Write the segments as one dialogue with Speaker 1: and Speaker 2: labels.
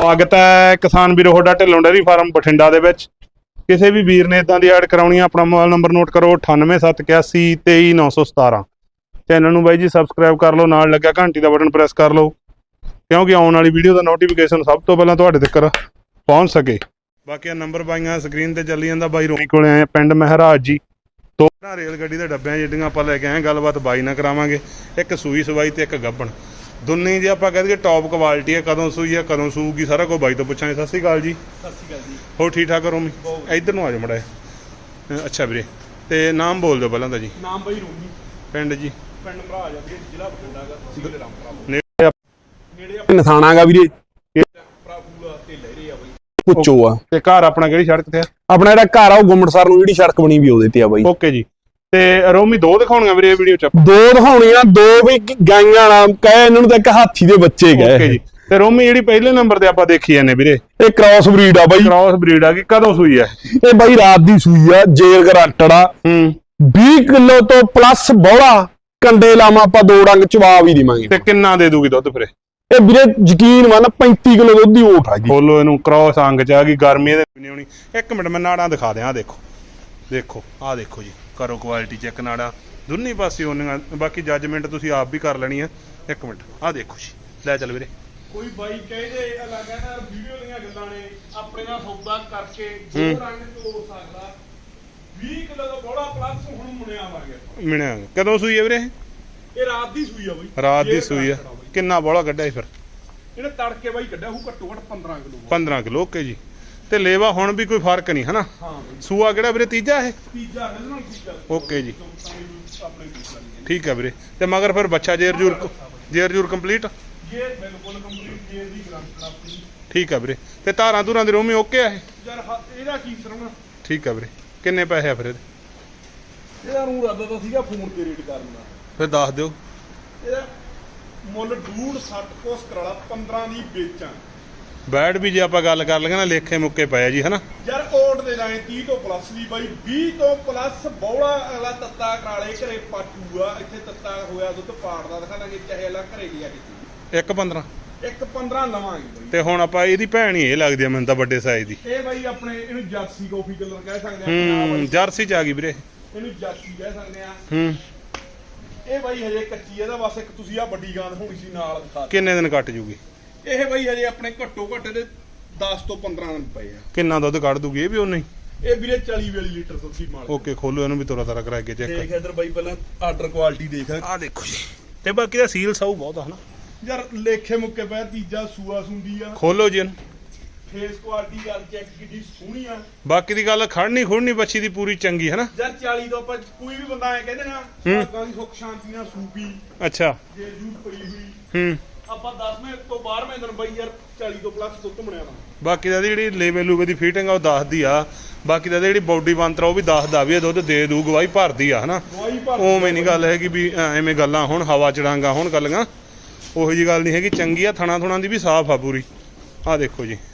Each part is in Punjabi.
Speaker 1: स्वागत है किसान वीरो ਤੁਹਾਡਾ ਢਿੱਲੋਂ ਡੇਅਰੀ ਫਾਰਮ ਬਠਿੰਡਾ ਦੇ ਵਿੱਚ। ਕਿਸੇ ਵੀ ਵੀਰ ਨੇ ਇਦਾਂ ਦੀ ਐਡ ਕਰਾਉਣੀ ਆਪਣਾ ਮੋਬਾਈਲ ਨੰਬਰ ਨੋਟ ਕਰੋ 9871823917। ਚੈਨਲ ਨੂੰ ਬਾਈ ਜੀ ਸਬਸਕ੍ਰਾਈਬ ਕਰ ਲਓ, ਨਾਲ ਲੱਗਿਆ ਘੰਟੀ ਦਾ ਬਟਨ ਪ੍ਰੈਸ ਕਰ ਲਓ ਕਿਉਂਕਿ ਆਉਣ ਵਾਲੀ ਵੀਡੀਓ ਦਾ ਨੋਟੀਫਿਕੇਸ਼ਨ ਸਭ ਤੋਂ ਪਹਿਲਾਂ ਤੁਹਾਡੇ ਤੱਕ ਪਹੁੰਚ ਸਕੇ। ਬਾਕੀ ਨੰਬਰ ਬਾਈਆਂ ਸਕਰੀਨ ਤੇ ਚੱਲੀ ਜਾਂਦਾ। ਬਾਈ ਰੋਮੀ ਕੋਲੇ ਆਏ ਪਿੰਡ ਮਹਿਰਾਜ ਜੀ। ਦੋ ਰੇਲ ਗੱਡੀ ਦੇ ਡੱਬਿਆਂ ਜਿਹੜੀਆਂ ਆਪਾਂ ਲੈ ਕੇ ਆਏ ਗੱਲਬਾਤ ਬਾਈ ਨਾਲ ਕਰਾਵਾਂਗੇ। ਇੱਕ ਸੂਈ ਸਵਾਈ ਤੇ ਇੱਕ ਗੱਭਣ ਦੁੰਨੀ ਜੀ ਆਪਾਂ कहते टॉप क्वालिटी है। कदों सूई है कदों सूगी सारा कुछ बाई तो पूछा। सत श्री अकाल जी।
Speaker 2: सत श्री अकाल जी।
Speaker 1: हो ठीक ठाक रोमी? इधर नूं आ जाओ मड़ा। अच्छा वीरे ते नाम बोल दो पहला जी।
Speaker 2: नाम भाई रोमी।
Speaker 1: पिंड जी?
Speaker 2: पिंड मराज वीरे, जिला बठिंडा दा, तहसील रामपुरा।
Speaker 1: नेड़े
Speaker 2: नेड़े
Speaker 3: नथाणा गा वीरे,
Speaker 2: प्राभूला ते लहरे आ बाई।
Speaker 3: पुच्छो आ
Speaker 1: ते घर अपना किहड़ी सड़क ते है?
Speaker 3: अपना जेहड़ा घर आ ਉਹ ਗੁੰਮਟਸਰ ਨੂੰ ਜਿਹੜੀ ਸੜਕ ਬਣੀ ਵੀ ਉਹਦੇ ਤੇ ਆ ਬਾਈ।
Speaker 1: ओके जी। ਤੇ ਰੋਮੀ ਦੋ ਦਿਖਾਉਣੀਆਂ ਵੀਰੇ ਇਹ ਵੀਡੀਓ ਚ?
Speaker 3: ਦੋ ਦਿਖਾਉਣੀਆਂ, ਦੋ ਵੀ ਗਾਈਆਂ ਨਾਲ ਕਹੇ ਇਹਨਾਂ ਨੂੰ ਤਾਂ ਇੱਕ ਹਾਥੀ ਦੇ ਬੱਚੇ ਗਏ।
Speaker 1: ਓਕੇ ਜੀ। ਤੇ ਰੋਮੀ ਜਿਹੜੀ ਪਹਿਲੇ ਨੰਬਰ ਤੇ ਆਪਾਂ ਦੇਖੀ ਜਾਂਦੇ ਵੀਰੇ
Speaker 3: ਇਹ ਕ੍ਰਾਸ ਬਰੀਡ ਆ ਬਾਈ।
Speaker 1: ਕ੍ਰਾਸ ਬਰੀਡ ਆ। ਕਿ ਕਦੋਂ ਸੂਈ ਆ
Speaker 3: ਇਹ ਬਾਈ ਰਾਤ ਦੀ ਸੂਈ ਆ, ਜੇਲ ਗਰੰਟਡ ਆ। 20 ਕਿਲੋ ਤੋਂ ਪਲੱਸ ਬੋਲਾ ਕੰਡੇ ਲਾਵਾਂ ਆਪਾਂ ਦੋ ਡੰਗ ਚਵਾ ਵੀ ਦੇਵਾਂਗੇ।
Speaker 1: ਤੇ ਕਿੰਨਾ ਦੇ ਦੂਗੀ ਦੁੱਧ ਫਿਰ
Speaker 3: ਇਹ ਵੀਰੇ ਯਕੀਨ ਮੰਨ 35 ਕਿਲੋ ਦੁੱਧ ਦੀ ਓਟ ਆ ਜੀ।
Speaker 1: ਖੋਲੋ ਇਹਨੂੰ, ਕ੍ਰਾਸ ਅੰਗ ਚ ਆ ਗਈ, ਗਰਮੀ ਇਹਦੇ ਨਹੀਂ ਆਉਣੀ। ਇੱਕ ਮਿੰਟ ਮੈਂ ਨਾੜਾਂ ਦਿਖਾ ਦਿਆਂ। ਆ ਦੇਖੋ ਦੇਖੋ ਆ ਦੇਖੋ ਜੀ, ਕਰੋ ਕੁਆਲਿਟੀ ਚੈੱਕ। ਨਾੜਾਂ ਦੋਨੀ ਪਾਸੇ ਹੋਣੀਆਂ, ਬਾਕੀ ਜੱਜਮੈਂਟ ਤੁਸੀਂ ਆਪ ਵੀ ਕਰ ਲੈਣੀ ਆ। ਇੱਕ ਮਿੰਟ ਆ ਦੇਖੋ ਜੀ, ਲੈ ਚੱਲ ਵੀਰੇ।
Speaker 2: ਕੋਈ ਬਾਈ ਕਹਿੰਦੇ ਅਲੱਗ ਹੈ ਨਾ ਵੀਡੀਓ ਦੀਆਂ ਗੱਲਾਂ ਨੇ, ਆਪਣੇ ਨਾਲ ਸੌਦਾ ਕਰਕੇ ਦੋ ਰੰਗ ਤੋੜ ਸਕਦਾ। 20 ਕਿਲੋ ਦਾ ਬੋੜਾ ਪਲੱਸ ਹੁਣ ਮੁੰਨਿਆ ਆ ਗਿਆ।
Speaker 1: ਮਿਣਿਆ ਕਦੋਂ ਸੂਈ ਹੈ ਵੀਰੇ?
Speaker 2: ਇਹ ਰਾਤ ਦੀ ਸੂਈ ਆ ਬਾਈ।
Speaker 1: ਰਾਤ ਦੀ ਸੂਈ ਆ। ਕਿੰਨਾ ਬੋਲਾ ਕੱਢਿਆ ਫਿਰ?
Speaker 2: ਇਹਨੇ ਤੜਕੇ ਬਾਈ ਕੱਢਿਆ ਹੂ ਘੱਟੋ ਘੱਟ 15 ਕਿਲੋ।
Speaker 1: 15 ਕਿਲੋ। ਓਕੇ ਜੀ। ਤੇ ਲੇਵਾ ਹੁਣ ਵੀ ਕੋਈ ਫਰਕ ਨਹੀਂ ਹਨਾ?
Speaker 2: ਹਾਂ ਬਾਈ।
Speaker 1: ਸੂਆ ਕਿਹੜਾ ਵੀਰੇ? ਤੀਜਾ ਇਹ?
Speaker 2: ਤੀਜਾ ਨਾਲ ਤੀਜਾ।
Speaker 1: ਓਕੇ ਜੀ,
Speaker 2: ਆਪਣੇ ਤੀਜਾ
Speaker 1: ਠੀਕ ਹੈ ਵੀਰੇ। ਤੇ ਮਗਰ ਫਿਰ ਬੱਚਾ ਜੇਰ ਜੂਰ ਕੰਪਲੀਟ?
Speaker 2: ਇਹ ਬਿਲਕੁਲ ਕੰਪਲੀਟ ਜੇਰ ਦੀ ਗਰੰਟੀ ਆਪਣੀ।
Speaker 1: ਠੀਕ ਹੈ ਵੀਰੇ। ਤੇ ਧਾਰਾਂ ਧੂਰਾਂ ਦੇ ਰੋਮੀ ਓਕੇ ਆ ਇਹ?
Speaker 2: ਯਾਰ ਇਹਦਾ ਕੀ ਸਰਵਣਾ।
Speaker 1: ਠੀਕ ਹੈ ਵੀਰੇ। ਕਿੰਨੇ ਪੈਸੇ ਆ ਫਿਰ ਇਹਦੇ?
Speaker 2: ਇਹਦਾ ਨੂੰ ਰਾਦਾ ਤਾਂ ਸੀਗਾ ਫੋਨ ਤੇ ਰੇਟ ਕਰਨਾ।
Speaker 1: ਫਿਰ ਦੱਸ ਦਿਓ।
Speaker 2: ਇਹਦਾ ਮੁੱਲ 2.60 ਕੋਸ ਕਰਾਲਾ 15 ਦੀ ਵੇਚਾਂ।
Speaker 1: ਬੈਡ ਵੀ ਜੇ ਆਪਾਂ ਗੱਲ ਕਰ ਲਈਏ ਨਾ ਲੇਖੇ ਮੁੱਕੇ ਪਏ ਜੀ ਹਨਾ?
Speaker 2: ਯਾਰ ਕੋਟ ਦੇ ਲਾਏ 30 ਤੋਂ ਪਲੱਸ ਦੀ ਬਾਈ। 20 ਤੋਂ ਪਲੱਸ ਬੌੜਾ ਅਗਲਾ ਤੱਤਾ ਕਰਾਲੇ ਘਰੇ ਪਾਟੂਗਾ। ਇੱਥੇ ਤੱਤਾ ਹੋਇਆ ਦੁੱਧ ਪਾੜਦਾ ਦਿਖਾ ਦਾਂਗੇ, ਚਾਹੇ ਅਗਲਾ ਘਰੇ ਲਿਆ ਕੇ।
Speaker 1: 1.15
Speaker 2: 1.15 ਲਵਾਂਗੇ ਬਾਈ।
Speaker 1: ਤੇ ਹੁਣ ਆਪਾਂ ਇਹਦੀ ਭੈਣ ਹੀ ਇਹ ਲੱਗਦੀ ਆ ਮੈਨੂੰ ਤਾਂ, ਵੱਡੇ ਸਾਈਜ਼ ਦੀ।
Speaker 2: ਇਹ ਬਾਈ ਆਪਣੇ ਇਹਨੂੰ ਜਰਸੀ ਕਾਫੀ ਕਲਰ ਕਹਿ ਸਕਦੇ ਆ।
Speaker 1: ਜਰਸੀ ਚ ਆ ਗਈ ਵੀਰੇ।
Speaker 2: ਇਹਨੂੰ ਜਰਸੀ ਕਹਿ ਸਕਦੇ ਆ। ਇਹ ਬਾਈ ਹਜੇ ਕੱਚੀ ਇਹਦਾ ਬਸ ਇੱਕ ਤੁਸੀਂ ਆ ਵੱਡੀ ਗਾਂਦ ਹੋਣੀ ਸੀ ਨਾਲ ਦਿਖਾ।
Speaker 1: ਕਿੰਨੇ ਦਿਨ ਕੱਟ ਜੂਗੀ
Speaker 2: ਇਹ ਬਾਈ ਹਜੇ ਆਪਣੇ ਘੱਟੋ ਘੱਟ ਦੇ 10 ਤੋਂ 15 ਦਿਨ ਪਏ ਆ।
Speaker 1: ਕਿੰਨਾ ਦੁੱਧ ਕੱਢ ਦੂਗੀ ਇਹ ਵੀ ਉਹਨੇ?
Speaker 2: ਇਹ ਵੀਰੇ 40-42 ਲੀਟਰ ਦੁੱਧੀ ਮਾਲ।
Speaker 1: ਓਕੇ, ਖੋਲੋ ਇਹਨੂੰ ਵੀ ਤੋਰਾ ਤਾਰਾ ਕਰਾ ਕੇ ਚੈੱਕ।
Speaker 2: ਦੇਖ ਇਧਰ ਬਾਈ ਪਹਿਲਾਂ ਆਰਡਰ ਕੁਆਲਿਟੀ ਦੇਖ।
Speaker 1: ਆ ਦੇਖੋ ਜੀ। ਤੇ ਬਾਕੀ ਦਾ ਸੀਲ ਸਾਊ ਬਹੁਤ ਆ ਹਨਾ?
Speaker 2: ਯਾਰ ਲੇਖੇ ਮੁੱਕੇ ਪਿਆ। ਤੀਜਾ ਸੂਆ ਸੁੰਦੀ ਆ।
Speaker 1: ਖੋਲੋ ਜੀ ਇਹਨੂੰ।
Speaker 2: ਫੇਸ ਕੁਆਲਿਟੀ ਯਾਰ ਚੈੱਕ ਕਿੱਡੀ ਸੋਹਣੀ ਆ।
Speaker 1: ਬਾਕੀ ਦੀ ਗੱਲ ਖੜਨੀ ਖੁੜਨੀ ਬੱਚੀ ਦੀ ਪੂਰੀ ਚੰਗੀ ਹੈ ਨਾ?
Speaker 2: ਯਾਰ 40 ਤੋਂ ਆਪਾਂ ਕੋਈ ਵੀ ਬੰਦਾ ਐ ਕਹਿੰਦੇ ਨਾ ਭਾਗਾਂ ਦੀ ਸੁੱਖ ਸ਼ਾਂਤੀ ਨਾਲ ਸੂਪੀ
Speaker 1: ਅੱਛਾ।
Speaker 2: ਜੇ ਜੂ ਪਈ ਹੋਈ ਆਪਾਂ 10ਵੇਂ ਤੋਂ 12ਵੇਂ ਦਿਨ ਬਾਈ ਯਾਰ 40 ਤੋਂ ਪਲੱਸ ਦੁੱਧ ਬਣਿਆ ਵਾ।
Speaker 1: ਬਾਕੀ ਦਾ ਜਿਹੜੀ ਲੇਵੇ ਲੂਵੇ ਦੀ ਫਿਟਿੰਗ ਆ ਉਹ ਦੱਸਦੀ ਆ। ਬਾਕੀ ਦਾ ਜਿਹੜੀ ਬਾਡੀ ਬੰਤਰ ਉਹ ਵੀ ਦੱਸਦਾ ਵੀ ਇਹ ਦੁੱਧ ਦੇ ਦੂ, ਗਵਾਹੀ ਭਰਦੀ ਆ ਹਨਾ? ਉਵੇਂ ਨਹੀਂ ਗੱਲ ਹੈਗੀ ਵੀ ਐਵੇਂ ਗੱਲਾਂ ਹੁਣ ਹਵਾ ਚੜਾਂਗਾ ਹੁਣ ਗੱਲਾਂ ਉਹੋ ਜੀ ਗੱਲ ਨਹੀਂ ਹੈਗੀ। ਚੰਗੀ ਆ, ਥਣਾ ਥੁਣਾ ਦੀ ਵੀ ਸਾਫ਼ ਆ ਪੂਰੀ। ਆ ਦੇਖੋ ਜੀ।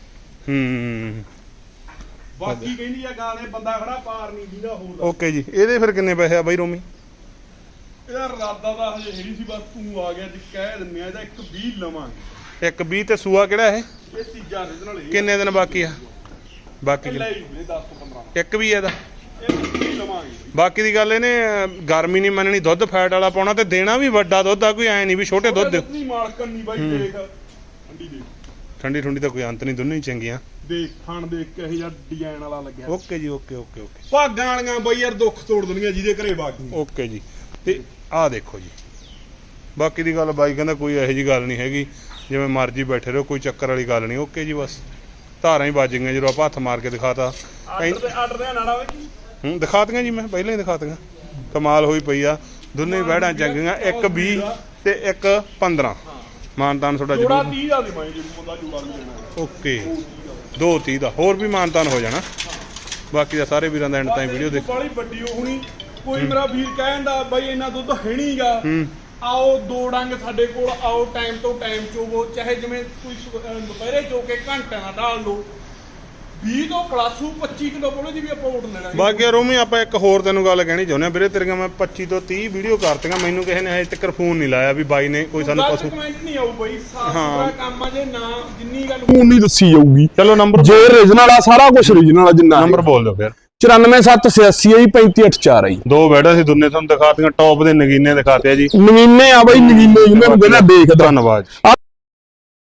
Speaker 2: ਬਾਕੀ ਕਹਿੰਦੀ ਆ ਗਾਣੇ ਬੰਦਾ ਖੜਾ ਪਾਰ ਨਹੀਂ ਦੀਦਾ ਹੋਰ ਦਾ।
Speaker 1: ਓਕੇ ਜੀ। ਇਹਦੇ ਫਿਰ ਕਿੰਨੇ ਪੈਸੇ ਆ ਬਾਈ ਰੋਮੀ?
Speaker 2: ਇਹਦਾ ਰਾਦਾ ਦਾ ਹਜੇ ਹੈਰੀ ਸੀ, ਬਸ ਤੂੰ ਆ ਗਿਆ ਜੀ ਕਹਿ ਦਿੰਨੇ ਆ। ਇਹਦਾ 1.20 ਲਵਾਂਗੇ।
Speaker 1: 1.20 ਤੇ ਸੂਆ ਕਿਹੜਾ ਇਹ?
Speaker 2: ਇਹ ਤੀਜਾ ਰੀਜਨਲ ਹੈ।
Speaker 1: ਕਿੰਨੇ ਦਿਨ ਬਾਕੀ ਆ? ਬਾਕੀ
Speaker 2: ਲੈ ਹੀ 10 ਤੋਂ 15
Speaker 1: ਇੱਕ ਵੀ ਇਹਦਾ?
Speaker 2: ਇਹ 20 ਲਵਾਂਗੇ।
Speaker 1: ਬਾਕੀ ਦੀ ਗੱਲ ਇਹਨੇ ਗਰਮੀ ਨਹੀਂ ਮੰਨਣੀ, ਦੁੱਧ ਫੈਟ ਵਾਲਾ ਪਾਉਣਾ ਤੇ ਦੇਣਾ ਵੀ ਵੱਡਾ ਦੁੱਧ ਆ। ਕੋਈ ਐ ਨਹੀਂ ਵੀ ਛੋਟੇ ਦੁੱਧ
Speaker 2: ਨਹੀਂ ਮਾਲਕਨ ਨਹੀਂ ਬਾਈ। ਦੇਖ ਠੰਡੀ ਦੇਖ,
Speaker 1: ਠੰਡੀ ਠੰਡੀ ਤਾਂ ਕੋਈ ਅੰਤ ਨਹੀਂ, ਦੋਨੋਂ ਹੀ ਚੰਗੀਆਂ।
Speaker 2: ਦੇਖ ਖਾਣ ਦੇਖ ਕੇ ਇਹ ਜਿਹਾ ਡਿਜ਼ਾਈਨ ਵਾਲਾ ਲੱਗਿਆ।
Speaker 1: ਓਕੇ ਜੀ। Okay okay okay.
Speaker 2: ਭਾਗਾਂ ਵਾਲੀਆਂ ਬਾਈ ਯਾਰ ਦੁੱਖ ਤੋੜ ਦੇਣੀਆਂ ਜਿਹਦੇ ਘਰੇ ਬਾਗੀ।
Speaker 1: ਓਕੇ ਜੀ। ਤੇ ਆਹ ਦੇਖੋ ਜੀ। ਬਾਕੀ ਦੀ ਗੱਲ ਬਾਈ ਕਹਿੰਦਾ ਕੋਈ ਇਹੋ ਜੀ ਗੱਲ ਨਹੀਂ ਹੈਗੀ, ਜਿਵੇਂ ਮਰਜ਼ੀ ਬੈਠੇ ਰਹੋ, ਕੋਈ ਚੱਕਰ ਵਾਲੀ ਗੱਲ ਨਹੀਂ। ਓਕੇ ਜੀ। ਬਸ ਧਾਰਾਂ ਹੀ ਵੱਜ ਗਈਆਂ ਜਦੋਂ ਆਪਾਂ ਹੱਥ ਮਾਰ ਕੇ ਦਿਖਾਤਾ।
Speaker 2: ਆਰਡਰ ਦੇ ਨਾੜਾ ਵੇ
Speaker 1: ਦਿਖਾਤੀਆਂ ਜੀ, ਮੈਂ ਪਹਿਲਾਂ ਹੀ ਦਿਖਾਤੀਆਂ। ਕਮਾਲ ਹੋਈ ਪਈ ਆ। ਦੋਨੇ ਬੈੜਾਂ ਚੰਗੀਆਂ। 1.20 ਤੇ 1.15 ਮਾਨਤਾਨ ਤੁਹਾਡਾ
Speaker 2: ਜੋੜਾ
Speaker 1: ਜ਼ਰੂਰ।
Speaker 2: 30 ਦਾ ਦੇਵਾਂਗੇ ਜੇ ਬੰਦਾ ਜੋੜਾ ਵੀ ਲੈਣਾ।
Speaker 1: ਓਕੇ। 2.30 ਦਾ ਹੋਰ ਵੀ ਮਾਨਤਾਨ ਹੋ ਜਾਣਾ। ਬਾਕੀ ਦਾ ਸਾਰੇ ਵੀਰਾਂ ਦਾ ਐਂਡ ਤਾਈਂ ਵੀਡੀਓ ਦੇਖ।
Speaker 2: ਬਾਲੀ ਵੱਡੀ ਹੋਣੀ। ਕੋਈ ਮੇਰਾ ਵੀਰ ਕਹਿੰਦਾ ਬਾਈ ਇੰਨਾ ਦੁੱਧ ਹੈ ਨਹੀਂਗਾ, ਆਓ ਦੋ ਡੰਗ ਸਾਡੇ ਕੋਲ ਆਓ, ਟਾਈਮ ਤੋਂ ਟਾਈਮ ਚੋਵੋ, ਚਾਹੇ ਜਿਵੇਂ ਕੋਈ ਦੁਪਹਿਰੇ ਚੋ ਕੇ ਘੰਟਿਆਂ ਨਾਲ ਢਾਲ ਲਓ। 20 ਤੋਂ ਪਲੱਸ 25 ਕਿਲੋ ਬੋਲੇ ਦੀ ਵੀ ਆਪਾਂ ਓਟ ਲੈਣਾ
Speaker 1: ਬਾਕੀ ਰੋਮੀ ਆਪਾਂ ਇੱਕ ਹੋਰ ਤੈਨੂੰ ਗੱਲ ਕਹਿਣੀ ਚਾਹੁੰਦੇ ਆ ਵੀਰੇ, ਤੇਰੀਆਂ ਮੈਂ 25 ਤੋਂ 30 ਵੀਡੀਓ ਕਰਤੀਆਂ, ਮੈਨੂੰ ਕਿਸੇ ਨੇ ਹਜੇ ਤੱਕ ਫੋਨ ਨਹੀਂ ਲਾਇਆ ਵੀ ਬਾਈ ਨੇ ਕੋਈ ਸਾਨੂੰ ਪਸ਼ੂ
Speaker 2: ਕਮੈਂਟ ਨਹੀਂ ਆਊ ਬਈ, ਸਾਫ ਸੁਥਰਾ ਕੰਮ ਆ ਜੇ ਨਾ ਜਿੰਨੀ ਗੱਲ
Speaker 3: ਉਹ ਨਹੀਂ ਦੱਸੀ ਜਾਊਗੀ।
Speaker 1: ਚਲੋ ਨੰਬਰ
Speaker 3: ਜੇ ਰੀਜਨਲ ਆ ਸਾਰਾ ਕੁਝ ਰੀਜਨਲ ਆ ਜਿੰਨਾ
Speaker 1: ਨੰਬਰ ਬੋਲ ਦਿਓ ਫਿਰ।
Speaker 3: 94786 ਜੀ 3584 ਜੀ।
Speaker 1: ਦੋ ਬੈਠਾ ਸੀ ਦੁੰਨੇ ਤੁਹਾਨੂੰ ਦਿਖਾਤੀਆਂ, ਟੌਪ ਦੇ ਨਗੀਨੇ ਦਿਖਾਤੇ ਆ ਜੀ।
Speaker 3: ਨਗੀਨੇ ਆ ਬਈ, ਨਗੀਨੇ ਜਿਹਨਾਂ ਨੂੰ ਕਹਿੰਦਾ ਦੇਖਦਾ।
Speaker 1: ਧੰਨਵਾਦ।